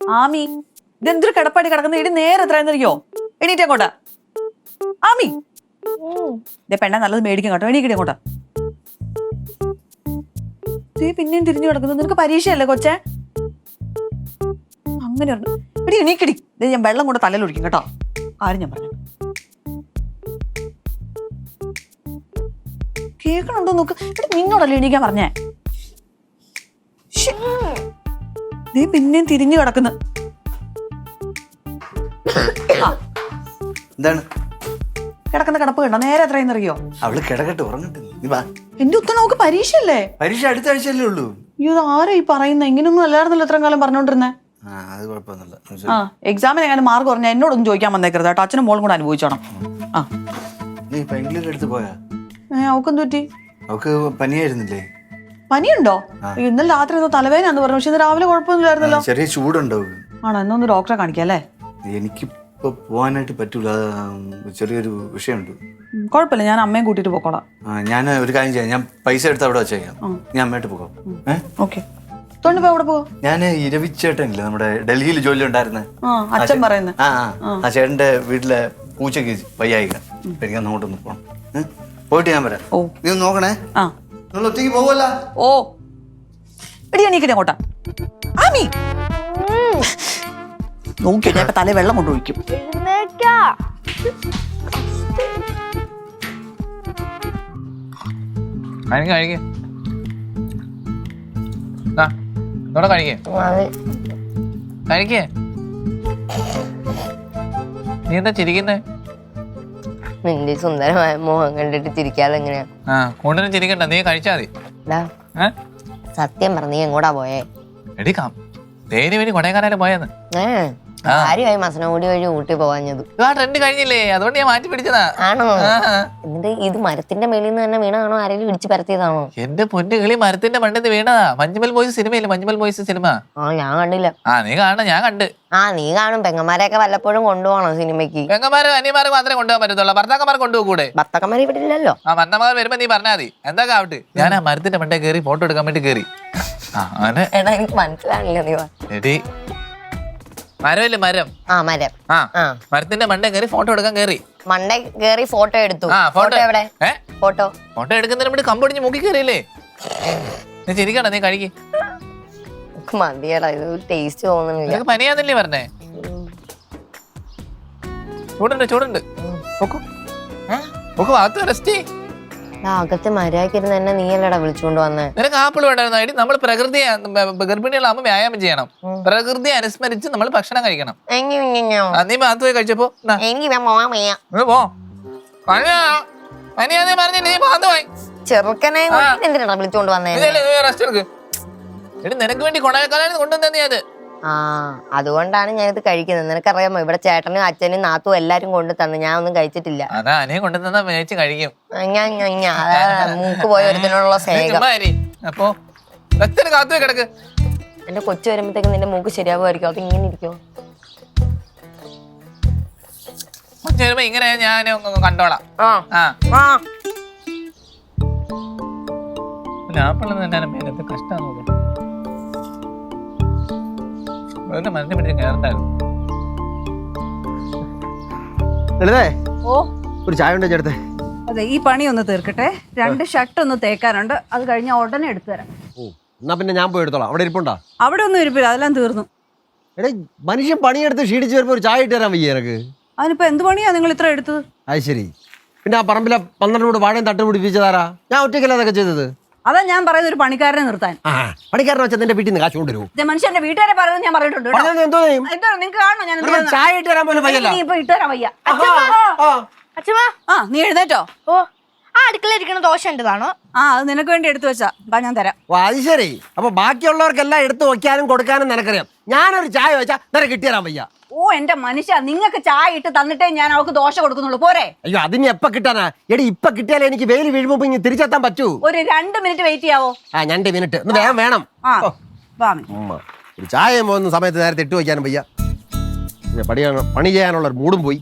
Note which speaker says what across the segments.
Speaker 1: ആമി ഇതെന്തൊരു കിടപ്പാടി കിടക്കുന്ന ഇടി നേരെ എത്രയെന്നറിയോ? എണീറ്റ് അങ്ങോട്ടാ ആമി. ഇതേ പെണ്ണ നല്ലത് മേടിക്കും കേട്ടോ. എണീക്കടി അങ്ങോട്ടാ. പിന്നെയും തിരിഞ്ഞു കിടക്കുന്നത്. നിനക്ക് പരീക്ഷയല്ലേ കൊച്ചേ? അങ്ങനെ എടി എണീക്കടി. ഇത് ഞാൻ വെള്ളം കൊണ്ട് തലയിൽ ഒഴിക്കും കേട്ടോ. കാര്യം ഞാൻ പറഞ്ഞു. കേൾക്കണുണ്ടോ നോക്ക്. എടി നിന്നോടല്ലേ എണീക്കാൻ പറഞ്ഞേ? നീ പിന്നെയും തിരിഞ്ഞു കിടക്കുന്നു.
Speaker 2: എന്താണ്
Speaker 1: കിടക്കുന്ന കിടപ്പ് കണ്ടോ? നേരെ എത്രയെന്നറിയോ?
Speaker 2: അവള് കിടക്കട്ടെ, ഉറങ്ങട്ടെ. നീ വാ.
Speaker 1: എന്റെ ഉത്ത നമുക്ക് പരീക്ഷയല്ലേ?
Speaker 2: പരീക്ഷ അടുത്ത ആഴ്ചയല്ലേ ഉള്ളൂ.
Speaker 1: ഇത് ആരാ ഈ പറയുന്നത്? ഇങ്ങനൊന്നും അല്ലായിരുന്നല്ലോ എത്ര കാലം പറഞ്ഞോണ്ടിരുന്നേ.
Speaker 2: അത് കുഴപ്പമൊന്നുമില്ല.
Speaker 1: എക്സാമിന് എങ്ങനെ മാർക്ക് പറഞ്ഞാൽ എന്നോടൊന്നും ചോദിക്കാൻ വന്നേക്കരുത് കേട്ടോ. അച്ഛനും മോളും കൂടെ അനുഭവിച്ചോണം.
Speaker 2: നീ പെൺകുട്ടിയുടെ അടുത്ത് പോയാ?
Speaker 1: അവക്കെന്ത് പറ്റി?
Speaker 2: അവക്ക് പനിയായിരുന്നില്ലേ?
Speaker 1: പനിയുണ്ടോ? ഇന്നലെ രാത്രി എന്തോ തലവേദനയാന്ന് പറഞ്ഞു. പക്ഷെ ഇന്ന് രാവിലെ കുഴപ്പമൊന്നുമില്ലായിരുന്നല്ലോ.
Speaker 2: ചെറിയ ചൂടുണ്ടോ?
Speaker 1: ആണോ? എന്നൊന്ന് ഡോക്ടറെ കാണിക്കാം അല്ലേ?
Speaker 2: എനിക്കിപ്പോ പോവാനായിട്ട് പറ്റൂല. ചെറിയൊരു വിഷയമുണ്ട്.
Speaker 1: കുഴപ്പമില്ല, ഞാൻ അമ്മയും കൂട്ടിട്ട് പോക്കോളാം.
Speaker 2: ഞാൻ ഒരു കാര്യം ചെയ്യാം. ഞാൻ പൈസ എടുത്ത് അവിടെ വെച്ചേക്കാം. ഞാൻ അമ്മയായിട്ട് പോകാം.
Speaker 1: ഓക്കെ. തൊണ്ടിപ്പോ എവിടെ പോവാ?
Speaker 2: ഞാൻ ഇരവിച്ചേട്ടനില്ലേ, നമ്മുടെ ഡൽഹിയിൽ ജോലി ഉണ്ടായിരുന്നെ,
Speaker 1: അച്ഛൻ പറയുന്നത്.
Speaker 2: ആ ചേട്ടന്റെ വീട്ടിലെ പൂച്ചക്ക് വയ്യായിക. എനിക്ക് അങ്ങോട്ടൊന്ന് പോണം. പോയിട്ട് ഞാൻ വരാം. നീ ഒന്ന് നോക്കണേ. നിങ്ങൾ ഒറ്റയ്ക്ക് പോവല്ല?
Speaker 1: ഓ എടി എണീക്കട്ടെ അങ്ങോട്ടാ. ആമി നോക്കിയോ, ഞാൻ ഇപ്പൊ തലേ വെള്ളം കൊണ്ടൊഴിക്കും.
Speaker 3: നീ എന്താ ചിരിക്കുന്നേ?
Speaker 4: നിന്റെ സുന്ദരമായ മോഹം കണ്ടിട്ട് ചിരിക്കാതെങ്ങനെയാ?
Speaker 3: കൂടുതലും ചിരിക്കണ്ട, നീ കഴിച്ചാ മതി.
Speaker 4: സത്യം പറ, നീ എങ്ങോട്ടാ പോയേ?
Speaker 3: എടുക്കാം, തേനി വേണ്ടി കൊടൈക്കനാലും പോയെന്ന്.
Speaker 4: കാര്യമായി മസനഗുഡി വഴി ഊട്ടി പോവാഞ്ഞത്.
Speaker 3: ട്രെൻഡ് കഴിഞ്ഞില്ലേ, അതുകൊണ്ട് ഞാൻ മാറ്റി പിടിച്ചതാ.
Speaker 4: ആണോ? എന്നിട്ട് ഇത് മരത്തിന്റെ മേളിൽ നിന്ന് തന്നെ വീണാണോ? ആരെങ്കിലും ഇടിച്ചു പരത്തിയതാണോ?
Speaker 3: എന്റെ പൊന്നു കിളി, മരത്തിന്റെ മണ്ടത്ത് വീണതാ. മഞ്ജുമൽ ബോയ്സ് സിനിമയില്ലേ, മഞ്ജുമൽ ബോയ്സ് സിനിമ.
Speaker 4: ഞാൻ കണ്ടില്ല.
Speaker 3: നീ കാണണം, ഞാൻ കണ്ട്.
Speaker 4: നീ കാണും. പെങ്ങന്മാരെയൊക്കെ വല്ലപ്പോഴും കൊണ്ടുപോകണം സിനിമയ്ക്ക്.
Speaker 3: പെങ്ങന്മാരും അനിയന്മാർക്ക് മാത്രമേ കൊണ്ടുപോകാൻ പറ്റത്തുള്ളൂ. ഭർത്താക്കന്മാർ കൊണ്ടുപോകൂടെ?
Speaker 4: ഭർത്താക്കന്മാർ ഇവിടെ ഇല്ലല്ലോ.
Speaker 3: ഭർത്താക്കന്മാർ വരുമ്പോ നീ പറഞ്ഞാൽ മതി. എന്തൊക്കെ ആവട്ടെ, ഞാൻ ആ മരത്തിന്റെ മണ്ടേ കയറി ഫോട്ടോ എടുക്കാൻ വേണ്ടി കയറി.
Speaker 4: എടാ, എനിക്ക് മനസ്സിലാണില്ല. നീ
Speaker 3: എടി, മരമില്ലേ, മരം.
Speaker 4: മരം.
Speaker 3: മരത്തിന്റെ മണ്ടേ കയറി ഫോട്ടോ എടുക്കാൻ കയറി.
Speaker 4: മണ്ടേ കയറി ഫോട്ടോ എടുത്തു. ഫോട്ടോ എവിടെ? ഫോട്ടോ
Speaker 3: എടുക്കുന്നതിന് വേണ്ടി കമ്പൊടിഞ്ഞ് മൂക്കി കയറിയില്ലേ? നീ ശരിക്കാണോ? നീ കഴിക്ക്.
Speaker 4: മതിയടാ, ഇത് ടേസ്റ്റ് തോന്നുന്നില്ല.
Speaker 3: പനിയാന്നല്ലേ പറഞ്ഞേ? ചൂടുണ്ട്. ഭാഗത്ത് റെസ്റ്റ്.
Speaker 4: അകത്ത് മര്യാദക്കിരുന്ന് തന്നെ നീയല്ലടാ വിളിച്ചുകൊണ്ട് വന്നേ.
Speaker 3: നിനക്ക് ആപ്പിൾ വേണ്ടായിരുന്നു. ഐഡി നമ്മൾ പ്രകൃതി ഗർഭിണികളാകുമ്പോൾ വ്യായാമം ചെയ്യണം. പ്രകൃതിയെ അനുസ്മരിച്ച് നമ്മൾ ഭക്ഷണം കഴിക്കണം. നീ ഭാഗത്ത് പോയി കഴിച്ചപ്പോ
Speaker 4: ചെറുക്കനെ എന്തിനാ വിളിച്ചുകൊണ്ട് വന്നേ?
Speaker 3: റെസ്റ്റ് എടുക്ക്. നിനക്ക് വേണ്ടി കൊടൈക്കനാലിൽ കൊണ്ടുവന്നേ അത്.
Speaker 4: അതുകൊണ്ടാണ് ഞാനിത് കഴിക്കുന്നത്. നിനക്കറിയാമോ, ഇവിടെ ചേട്ടനും അച്ഛനും നാത്തും എല്ലാരും കൊണ്ടു തന്നു. ഞാൻ ഒന്നും കഴിച്ചിട്ടില്ല.
Speaker 3: അതാ അനേ കൊണ്ടുതന്നാ മേടിച്ച് കഴിക്കും.
Speaker 4: മൂക്ക് പോയ ഒരുത്തിനുള്ള സ്നേഹം.
Speaker 3: അപ്പൊ കാത്തു കിടക്ക്.
Speaker 4: എന്റെ കൊച്ചു വരുമ്പോഴത്തേക്ക് നിന്റെ മൂക്ക് ശരിയാവുമായിരിക്കും. അത് ഇങ്ങനെ ഇരിക്കോ?
Speaker 3: വരുമ്പോ ഇങ്ങനെ ഞാൻ കണ്ടോളാം. കഷ്ടം നോക്കും.
Speaker 5: ഒരു ചായ ഉണ്ടോ ചേട്ടത്തെ?
Speaker 6: അതെ, ഈ പണി ഒന്ന് തീർക്കട്ടെ. 2 ഷർട്ട് ഒന്ന് തേക്കാനുണ്ട്. അത് കഴിഞ്ഞ ഉടനെ എടുത്തു തരാം.
Speaker 5: എന്നാ പിന്നെ ഞാൻ പോയി എടുത്തോളാം. അവിടെ ഇരിപ്പുണ്ടോ?
Speaker 6: അവിടെ ഒന്നും ഇരിപ്പില്ല, അതെല്ലാം തീർന്നു.
Speaker 5: എടേ, മനുഷ്യൻ പണിയെടുത്ത് ക്ഷീണിച്ച് വരുമ്പോ ഒരു ചായ ഇട്ട് തരാൻ വയ്യ എനക്ക്.
Speaker 6: അതിനിപ്പോ എന്ത് പണിയാ നിങ്ങൾ ഇത്ര എടുത്തത്?
Speaker 5: അത് ശരി. പിന്നെ ആ പറമ്പിലെ 12 കൂടെ വാഴയും തട്ട് പിടിപ്പിച്ചതാരാ? ഞാൻ ഒറ്റയ്ക്കല്ല അതൊക്കെ ചെയ്തത്.
Speaker 6: അതാ ഞാൻ പറയുന്നത്, ഒരു പണിക്കാരനെ നിർത്താൻ.
Speaker 5: പണിക്കാരനെ വെച്ചാൽ നിന്റെ വീട്ടിൽ നിന്ന് കാശ് കൊണ്ടുവരൂ.
Speaker 6: മനുഷ്യന്റെ വീട്ടുകാരെ പറയുന്നത് ഞാൻ പറഞ്ഞിട്ടുണ്ട്. നിങ്ങൾക്ക് കാണോ? ഞാൻ
Speaker 5: ചായ ഇട്ട് തരാൻ പോലും വയ്യല്ല.
Speaker 6: ഇപ്പൊ ഇട്ട് തരാൻ വയ്യ. നീ എഴുന്നേറ്റോ?
Speaker 7: അടുക്കള ഇരിക്കുന്ന ദോശ ഉണ്ടതാണോ?
Speaker 6: അത് നിനക്ക് വേണ്ടി എടുത്തു വെച്ചാ ഞാൻ തരാം.
Speaker 5: അത് ശരി. അപ്പൊ ബാക്കിയുള്ളവർക്കെല്ലാം എടുത്തു വെക്കാനും കൊടുക്കാനും നിനക്കറിയാം. ഞാനൊരു ചായ വെച്ചാ നിനക്ക് കിട്ടിയരാൻ വയ്യ.
Speaker 6: എന്റെ മനുഷ്യ, നിങ്ങൾക്ക് ചായ ഇട്ട് തന്നിട്ടേ ഞാൻ അവൾക്ക് ദോശ കൊടുക്കുന്നുള്ളൂ. പോരെ?
Speaker 5: അയ്യോ, അതിന് എപ്പ കിട്ടാനാ? എടി, ഇപ്പൊ കിട്ടിയാലേ എനിക്ക് വെയിൽ വീഴുമ്പോ ഇനി തിരിച്ചെത്താൻ പറ്റൂ.
Speaker 6: ഒരു 2 മിനിറ്റ് വെയിറ്റ് ചെയ്യാവോ?
Speaker 5: 2 മിനിറ്റ് വേഗം വേണം. ഒരു ചായ പോകുന്ന സമയത്ത് നേരത്തെ ഇട്ട് വയ്ക്കാനും വയ്യ. പണി ചെയ്യാനുള്ള മൂടും പോയി.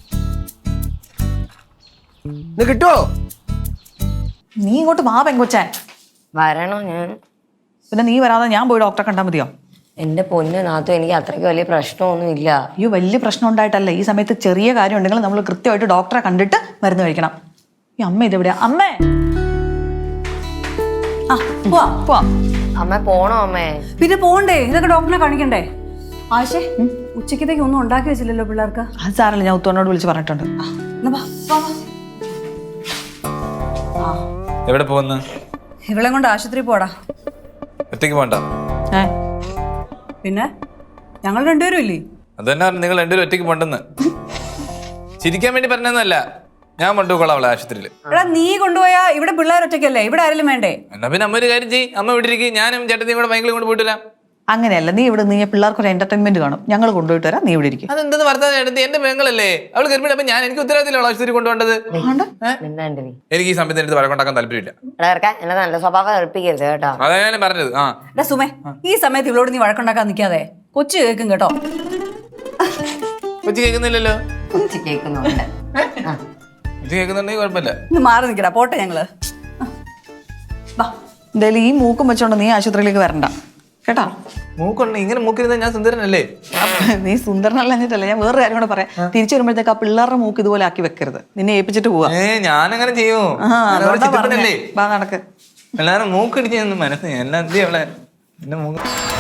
Speaker 5: ഇത് കിട്ടുവോ?
Speaker 1: നീ ഇങ്ങോട്ട് വാ പെങ്കൊച്ചാൻ.
Speaker 4: വരണോ? ഞാൻ
Speaker 1: പിന്നെ നീ വരാതെ ഞാൻ പോയി ഡോക്ടറെ കണ്ടാൽ മതിയോ?
Speaker 4: എന്റെ പൊന്ന് നാത്തു എനിക്ക് അത്രയ്ക്ക് വലിയ പ്രശ്നമൊന്നും ഇല്ല.
Speaker 1: അയ്യോ വലിയ പ്രശ്നം ഉണ്ടായിട്ടല്ല, ഈ സമയത്ത് ചെറിയ കാര്യം ഉണ്ടെങ്കിൽ നമ്മൾ കൃത്യമായിട്ട് ഡോക്ടറെ കണ്ടിട്ട് മരുന്ന് കഴിക്കണം. ഈ അമ്മ ഇതെവിടെയാ? അമ്മേ,
Speaker 6: ആ പോവാ പോവാ.
Speaker 4: അമ്മ പോണോ അമ്മേ?
Speaker 6: പിന്നെ പോണ്ടേ, ഇതൊക്കെ ഡോക്ടറിനെ കാണിക്കണ്ടേ? ആശേ, ഉച്ചക്കത്തേക്ക് ഒന്നും ഉണ്ടാക്കി വെച്ചില്ലല്ലോ പിള്ളേർക്ക്.
Speaker 1: അത് സാരല്ല, ഞാൻ ഉത്തോനോട് വിളിച്ച് പറഞ്ഞിട്ടുണ്ട്.
Speaker 6: എന്നാ വാ, വാ, വാ.
Speaker 3: എവിടെ പോകുന്നു?
Speaker 6: ഇവളെ കൊണ്ട് ആശുപത്രി പോടാ.
Speaker 3: ഒറ്റയ്ക്ക് പോകണ്ട.
Speaker 6: പിന്നെ ഞങ്ങൾ രണ്ടുപേരും ഇല്ലേ?
Speaker 3: അത് തന്നെ പറഞ്ഞു, നിങ്ങൾ രണ്ടുപേരും ഒറ്റയ്ക്ക് പോണ്ടെന്ന്. ചിരിക്കാൻ വേണ്ടി പറഞ്ഞതൊന്നുമല്ല, ഞാൻ കൊണ്ടുപോയിക്കോളാം അവളെ ആശുപത്രിയിൽ.
Speaker 6: എടാ നീ കൊണ്ടുപോയാ ഇവിടെ പിള്ളേർ ഒറ്റയ്ക്കല്ലേ, ഇവിടെ ആരെങ്കിലും വേണ്ടേ?
Speaker 3: എന്നാ പിന്നെ അമ്മ ഒരു കാര്യം ചെയ്യ്, അമ്മ ഇവിടെ ഇരിക്കും, ഞാനും ചേട്ടത്തിയും കൂടെ ബൈക്കിൽ കൊണ്ട് പോയിട്ട് വരാം.
Speaker 1: അങ്ങനെയല്ല, നീ ഇവിടെ നീ പിള്ളേർക്ക് ഒരു എന്റർടൈൻമെന്റ് കാണും, ഞങ്ങൾ കൊണ്ടുപോയിട്ട് വരാം, നീ ഇവിടെ ഇരിക്കും.
Speaker 3: അതെന്തെന്ന് പറഞ്ഞാൽ ചേട്ടത്തി എന്റെ പെങ്ങളല്ലേ, അവള് ഗർഭിണി, അപ്പൊ ഞാൻ എനിക്ക് ഉത്തരവാദിത്തം ആശുപത്രി കൊണ്ടുപോകേണ്ടത്.
Speaker 4: മിണ്ടാണ്ടിരി.
Speaker 3: എനിക്ക് ഈ സമയത്ത് എടുത്ത് വഴക്കുണ്ടാക്കാൻ താല്പര്യമില്ല.
Speaker 4: എടാ ഇറക്കാൻ എന്നെ നല്ല സ്വഭാവം ഏൽപ്പിക്കരുത് കേട്ടോ.
Speaker 3: അതാ ഞാൻ പറഞ്ഞത്. ആ
Speaker 6: എടാ സുമേ, ഈ സമയത്ത് ഇവളോട് നീ വഴക്കുണ്ടാക്കാൻ നിൽക്കാതെ, കൊച്ചു കേൾക്കും കേട്ടോ.
Speaker 3: കൊച്ചി കേൾക്കുന്നില്ലല്ലോ.
Speaker 4: കൊച്ചു കേൾക്കുന്നുണ്ട്.
Speaker 3: കൊച്ചി കേൾക്കുന്നുണ്ടെങ്കിൽ കുഴപ്പമില്ല.
Speaker 6: ഇന്ന് മാറി നിൽക്കടാ, പോട്ടെ ഞങ്ങള്. വാ.
Speaker 1: എന്തായാലും ഈ മൂക്കും വെച്ചോണ്ട് നീ ആശുപത്രിയിലേക്ക് വരണ്ട കേട്ടാ.
Speaker 3: മൂക്കുണ്ട്, ഇങ്ങനെ മൂക്കിരുന്ന ഞാൻ സുന്ദരനല്ലേ?
Speaker 1: നീ സുന്ദരനല്ലഞ്ഞിട്ടല്ല, ഞാൻ വേറൊരു കാര്യം കൂടെ പറയാം. തിരിച്ചു വരുമ്പോഴത്തേക്ക് ആ പിള്ളേരുടെ മൂക്ക് ഇതുപോലെ ആക്കി വെക്കരുത്, നിന്നെ ഏൽപ്പിച്ചിട്ട് പോവാ.
Speaker 3: ഞാനങ്ങനെ ചെയ്യൂ.
Speaker 1: അതുകൊണ്ടാ പറഞ്ഞേ. വാ നടക്ക്.
Speaker 3: എല്ലാരും മൂക്കടിച്ച് മനസ്സിലായി. എല്ലാം അവളെ എന്റെ മൂക്ക്